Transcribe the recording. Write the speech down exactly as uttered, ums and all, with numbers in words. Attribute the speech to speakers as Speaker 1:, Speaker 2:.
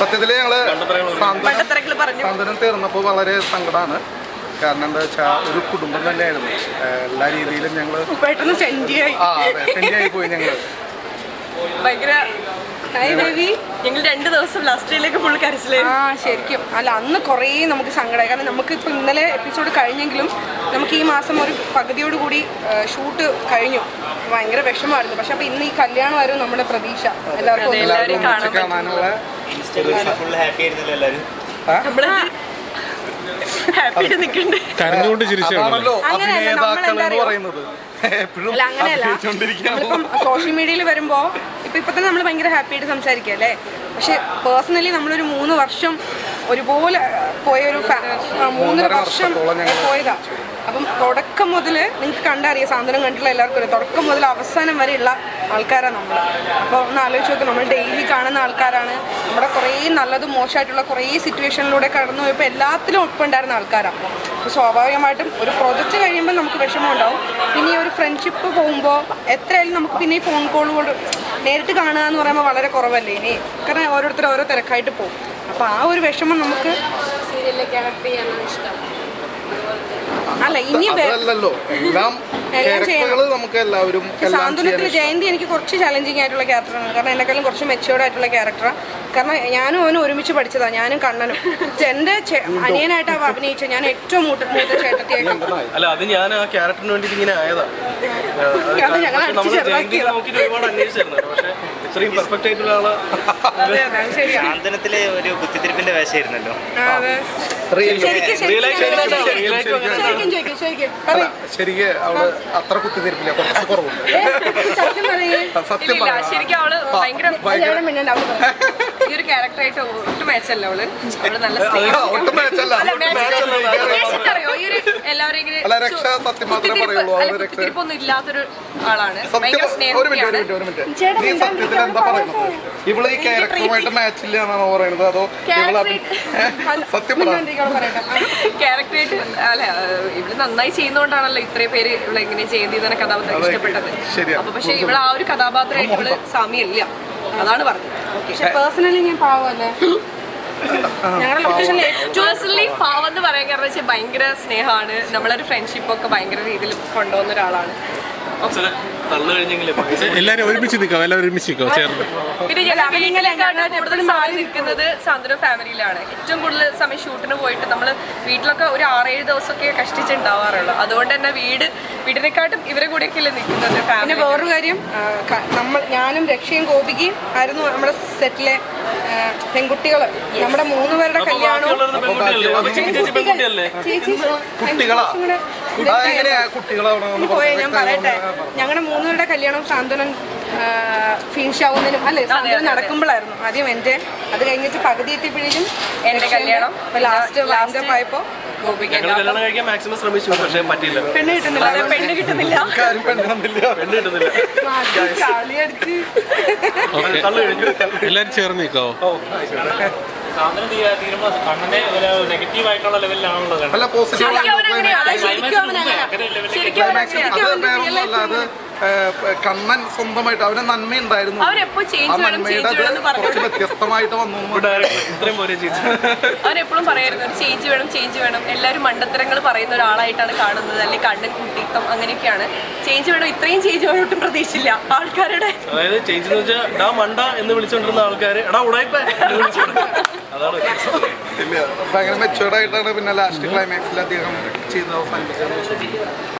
Speaker 1: സത്യത്തില് ഞങ്ങള് സാന്ത്വനം തീർന്നപ്പോൾ വളരെ സങ്കടമാണ്. കാരണം എന്താ വെച്ചാൽ ഒരു കുടുംബം തന്നെയായിരുന്നു. എല്ലാ രീതിയിലും ഞങ്ങള്
Speaker 2: പെട്ടെന്ന് സെൻഡിയായി
Speaker 1: സെൻഡിയായി പോയി. ഞങ്ങള്
Speaker 2: ഭയങ്കര ഞങ്ങൾ രണ്ട് ദിവസം ലാസ്റ്റ് ഡേയിലേക്ക് ഫുൾ കരച്ചിലായിരുന്നു. ആ ശരിക്കും അല്ല, അന്ന് കുറേ നമുക്ക് സങ്കടമായി. കാരണം നമുക്ക് ഇപ്പം ഇന്നലെ എപ്പിസോഡ് കഴിഞ്ഞെങ്കിലും നമുക്ക് ഈ മാസം ഒരു പകുതിയോട് കൂടി ഷൂട്ട് കഴിഞ്ഞു. ഭയങ്കര വിഷമമായിരുന്നു. പക്ഷെ അപ്പൊ ഇന്ന് ഈ കല്യാണമായിരുന്നു നമ്മുടെ പ്രതീക്ഷ. എല്ലാവർക്കും
Speaker 1: കാണാനുള്ള
Speaker 2: നമ്മളിപ്പം സോഷ്യൽ മീഡിയയിൽ വരുമ്പോ ഇപ്പൊ ഇപ്പൊ തന്നെ നമ്മൾ ഭയങ്കര ഹാപ്പി ആയിട്ട് സംസാരിക്കുക അല്ലേ. പക്ഷെ പേഴ്സണലി നമ്മളൊരു മൂന്ന് വർഷം ഒരുപോലെ പോയൊരു മൂന്നര വർഷം പോയതാ. അപ്പം തുടക്കം മുതൽ നിങ്ങൾക്ക് കണ്ടറിയാം, സാന്ത്വനം കണ്ടിട്ടുള്ള എല്ലാവർക്കും അറിയാം, തുടക്കം മുതൽ അവസാനം വരെയുള്ള ആൾക്കാരാണ് നമ്മൾ. അപ്പോൾ ഒന്ന് ആലോചിച്ച് നോക്കുക, നമ്മൾ ഡെയിലി കാണുന്ന ആൾക്കാരാണ്. നമ്മുടെ കുറേ നല്ലതും മോശമായിട്ടുള്ള കുറേ സിറ്റുവേഷനിലൂടെ കടന്നു പോയപ്പോൾ എല്ലാത്തിലും ഒപ്പുണ്ടായിരുന്ന ആൾക്കാരാണ്. അപ്പോൾ സ്വാഭാവികമായിട്ടും ഒരു പ്രോജക്റ്റ് കഴിയുമ്പോൾ നമുക്ക് വിഷമം ഉണ്ടാവും. പിന്നെ ഈ ഒരു ഫ്രണ്ട്ഷിപ്പ് പോകുമ്പോൾ എത്രയായാലും നമുക്ക് പിന്നെ ഈ ഫോൺ കോൾ കൊണ്ട് നേരിട്ട് കാണുക എന്ന് പറയുമ്പോൾ വളരെ കുറവല്ലേ ഇനി. കാരണം ഓരോരുത്തർ ഓരോ തിരക്കായിട്ട് പോകും. അപ്പോൾ ആ ഒരു വിഷമം നമുക്ക് സീരിയലിലേക്ക് ആക്ട് ചെയ്യാനാണ് ഇഷ്ടം. അല്ല ഇനി സാന്ത്വനത്തിൽ ജയന്തി എനിക്ക് കുറച്ച് ചലഞ്ചിങ് ആയിട്ടുള്ള ക്യാരക്ടറാണ്. കാരണം എന്നെക്കാളും കുറച്ച് മെച്ചുവേർഡ് ആയിട്ടുള്ള ക്യാരക്ടറാണ്. കാരണം ഞാനും അവനും ഒരുമിച്ച് പഠിച്ചതാണ്, ഞാനും കണ്ണനും. എന്റെ അനിയനായിട്ട് അവ അഭിനയിച്ച ഞാൻ ഏറ്റവും മൂത്ത മൂത്ത ചേട്ടത്തിയായിട്ട്.
Speaker 3: അല്ല അത് ഞാൻ ആ ക്യാരക്ടറിന് വേണ്ടി ഇങ്ങനെ ആയതാ.
Speaker 2: അത് ഞങ്ങൾ
Speaker 3: ഇത്രയും പെർഫെക്റ്റ് ആയിട്ടുള്ള ആള്
Speaker 4: സാന്ത്വനത്തിലെ ഒരു കുത്തിത്തിരിപ്പിന്റെ വേഷമായിരുന്നല്ലോ.
Speaker 1: ശരിക്കും അവള് അത്ര കുത്തിത്തിരിപ്പില്ല, കുറച്ച് കുറവുണ്ട്.
Speaker 2: ശരിക്കും അവള് ഭയങ്കര ഈ ഒരു ക്യാരക്ടറായിട്ട് ഒട്ടും മാച്ചല്ല അവള്. അവള് നല്ല കുത്തിരിപ്പൊന്നും ഇല്ലാത്തൊരു ആളാണ്. ഭയങ്കര സ്നേഹമാണ്.
Speaker 1: ഇവള് ഈ ക്യാരക്ടറുമായിട്ട് മാച്ചില്ല എന്നാണോ പറയുന്നത്, അതോ സത്യം
Speaker 2: ക്യാരക്ടറായിട്ട് അല്ല ഇവള് നന്നായി ചെയ്യുന്നോണ്ടാണല്ലോ ഇത്രയും പേര് ഇവളെ എങ്ങനെ ചെയ്യുന്ന കഥാപാത്രം ഇഷ്ടപ്പെട്ടത്. അപ്പൊ പക്ഷെ ഇവിടെ ആ ഒരു കഥാപാത്രമായിട്ട് ഇവള് സാമ്യമില്ല, അതാണ് പറഞ്ഞത്. പക്ഷെ പേഴ്സണലി ഞാൻ പാവല്ലേ, ഞങ്ങളുടെ ലൊക്കേഷനിൽ പേഴ്സണലി പാവം എന്ന് പറയാൻ കാരണം വെച്ചാൽ ഭയങ്കര സ്നേഹമാണ്. നമ്മളൊരു ഫ്രണ്ട്ഷിപ്പൊക്കെ ഭയങ്കര രീതിയിൽ കൊണ്ടുപോകുന്ന ഒരാളാണ്.
Speaker 3: എല്ലാരും ഒരുമിച്ച് നിൽക്കാം, എല്ലാവരും ഒരുമിച്ച് നിൽക്കാം ചേർന്ന്.
Speaker 2: പിന്നെ കൂടുതൽ സമയം നിൽക്കുന്നത് സാന്ത്വനം ഫാമിലിയിലാണ്. ഏറ്റവും കൂടുതൽ സമയം ഷൂട്ടിന് പോയിട്ട് നമ്മൾ വീട്ടിലൊക്കെ ഒരു ആറേഴ് ദിവസമൊക്കെ കഷ്ടിച്ചുണ്ടാവാറുള്ളൂ. അതുകൊണ്ട് തന്നെ വീട് വീടിനെക്കാട്ടും ഇവരെ കൂടെയൊക്കെ അല്ലേ നിൽക്കുന്നത്. പിന്നെ വേറൊരു കാര്യം, നമ്മൾ ഞാനും രക്ഷയും ഗോപികയും ആയിരുന്നു നമ്മുടെ സെറ്റിലെ പെൺകുട്ടികൾ. നമ്മുടെ മൂന്ന് പേരുടെ കല്യാണവും പോയെ ഞാൻ പറയട്ടെ, ഞങ്ങളുടെ മൂന്നുപേരുടെ കല്യാണം സാന്ത്വനം ഫിനിഷ് ആവുന്നതിനും അല്ലെ സാന്ത്വനം നടക്കുമ്പോഴായിരുന്നു ആദ്യം എൻ്റെ. അത് കഴിഞ്ഞിട്ട് പകുതി എത്തിയപ്പോഴേക്കും എൻ്റെ കല്യാണം. ലാസ്റ്റ് ലാൻഡപ്പ് ആയപ്പോ
Speaker 3: പെണ്ണ്
Speaker 2: കിട്ടുന്നില്ല പെണ്ണ് കിട്ടുന്നില്ല
Speaker 3: പെണ്ണ് കിട്ടുന്നില്ല എല്ലാരും ചേർന്ന് നിൽക്കാവോ?
Speaker 1: കണ്ണൻ സ്വന്തമായിട്ട് അവന് നന്മയുണ്ടായിരുന്നു, കുറച്ച് വ്യത്യസ്തമായിട്ട് വന്നു.
Speaker 2: അവരെപ്പോഴും പറയായിരുന്നു ഒരു ചേഞ്ച് വേണം ചേഞ്ച് വേണം. എല്ലാവരും മണ്ടത്തരങ്ങൾ പറയുന്ന ഒരാളായിട്ടാണ് കാണുന്നത്, അല്ലെങ്കിൽ കണ്ണൻ കുട്ടിത്തം അങ്ങനെയൊക്കെയാണ്. ചേഞ്ച് വേണം, ഇത്രയും ചേഞ്ച് വേണം ഒട്ടും പ്രതീക്ഷിച്ചില്ല ആൾക്കാരുടെ.
Speaker 3: അതായത് ചേഞ്ച് എന്ന് വെച്ചാൽ ഡാ മണ്ട എന്ന് വിളിച്ചോണ്ടിരുന്ന ആൾക്കാര് എടാ ഉടായിപ്പ അതാണ്.
Speaker 1: ഭയങ്കര മെച്ചുവേർഡ് ആയിട്ടാണ് പിന്നെ ലാസ്റ്റ് ക്ലൈമാക്സിൽ അദ്ദേഹം ചെയ്ത് അവസാനിപ്പിച്ചത്.